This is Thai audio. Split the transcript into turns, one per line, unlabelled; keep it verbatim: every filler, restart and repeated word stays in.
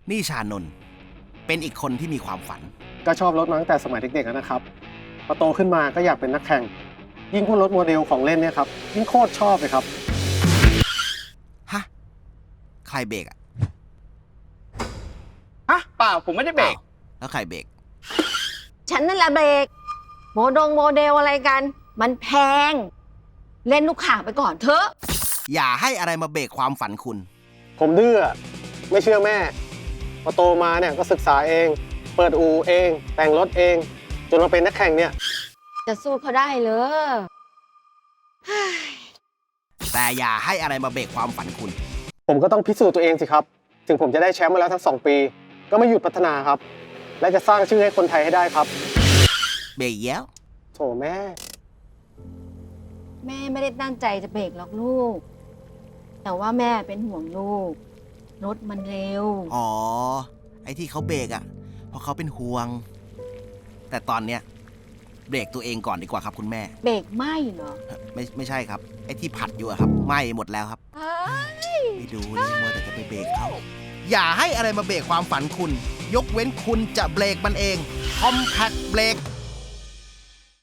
นี่ชานนท์เป็นอีกคนที่มีความฝัน
ก็ชอบรถมาตั้งแต่สมัยเด็กๆแล้วนะครับพอโตขึ้นมาก็อยากเป็นนักแข่ง ยิ่งพวกรถโมเดลของเล่นเนี่ยครับยิ่งโคตรชอบเลยครับ
ฮะ ใครเบรกอะ
ฮะเปล่าผมไม่ได้เบรก
อ้าวแล้วใครเบรก
ฉันนั่นแหละเบรกโมดงโมเดลอะไรกัน มันแพง เล่นลูกข่างไปก่อนเถอะ
อย่าให้อะไรมาเบรกความฝันคุณ
ผมดื้อไม่เชื่อแม่พอโตมาเนี่ยก็ศึกษาเอง เปิดอู่เอง แต่งรถเอง จนมาเป็นนักแข่งเนี่ย
จะสู้เขาได้เลย
แต่อย่าให้อะไรมาเบรกความฝันคุณ
ผมก็ต้องพิสูจน์ตัวเองสิครับ ถึงผมจะได้แชมป์มาแล้วทั้งสองปี ก็ไม่หยุดพัฒนาครับ และจะสร้างชื่อให้คนไทยให้ได้ครับ
เบรกแล้ว
โถแม่
แม่ไม่ได้ตั้งใจจะเบรกหรอกลูก แต่ว่าแม่เป็นห่วงลูก รถมันเร็ว
อ๋อ ไอ้ที่เขาเบรกอะเพราะเขาเป็นห่วง แต่ตอนเนี้ยเบรกตัวเองก่อนดีกว่าครับคุณแม่
เบรกไหมเหรอ
ไม่ไม่ใช่ครับ ไอ้ที่ผัดอยู่อะครับไหม้หมดแล้วครับ
เอ้ย
ไม่ดูนี่มัวแต่จะไปเบรกเขา อย่าให้อะไรมาเบรกความฝันคุณ ยกเว้นคุณจะเบรกมันเอง Compact Brake